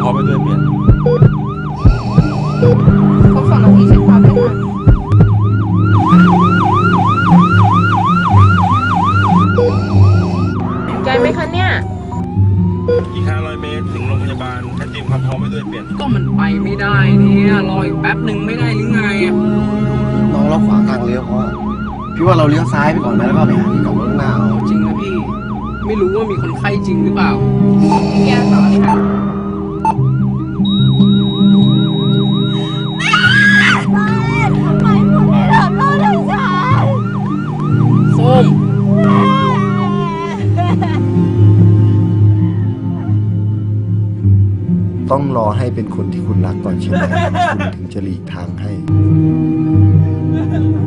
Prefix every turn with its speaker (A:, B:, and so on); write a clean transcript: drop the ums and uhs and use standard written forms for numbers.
A: พร้อมไปด้วยเปลี่ยน
B: ครบ2 นาทีเช็คความด้วยค่ะใจไหมคะเนี่ย
A: อีก500 เมตรถึงโรงพยาบาลถ้าเตรียมความพร้อมไปด้วยเปลี่ยน
C: ก็มันไปไม่ได้เนี่ยรออีกแป๊บหนึ่งไม่ได้หรือไง
D: น้องเราขวางทางเลี้ยวเพราะว่าพี่ว่าเราเลี้ยวซ้ายไปก่อนไหมแล้วก็ไปหาที่จอดรถข้างหน้าเอา
C: จริงนะพี่ ไม่รู้ว่ามีคนไข้จริงหรือเปล่า
B: แก้ต่อเลยค่ะ
C: ส้ม
D: ต้องรอให้เป็นคนที่คุณรักก่อนใช่ไหมคุณถึงจะหลีกทางให้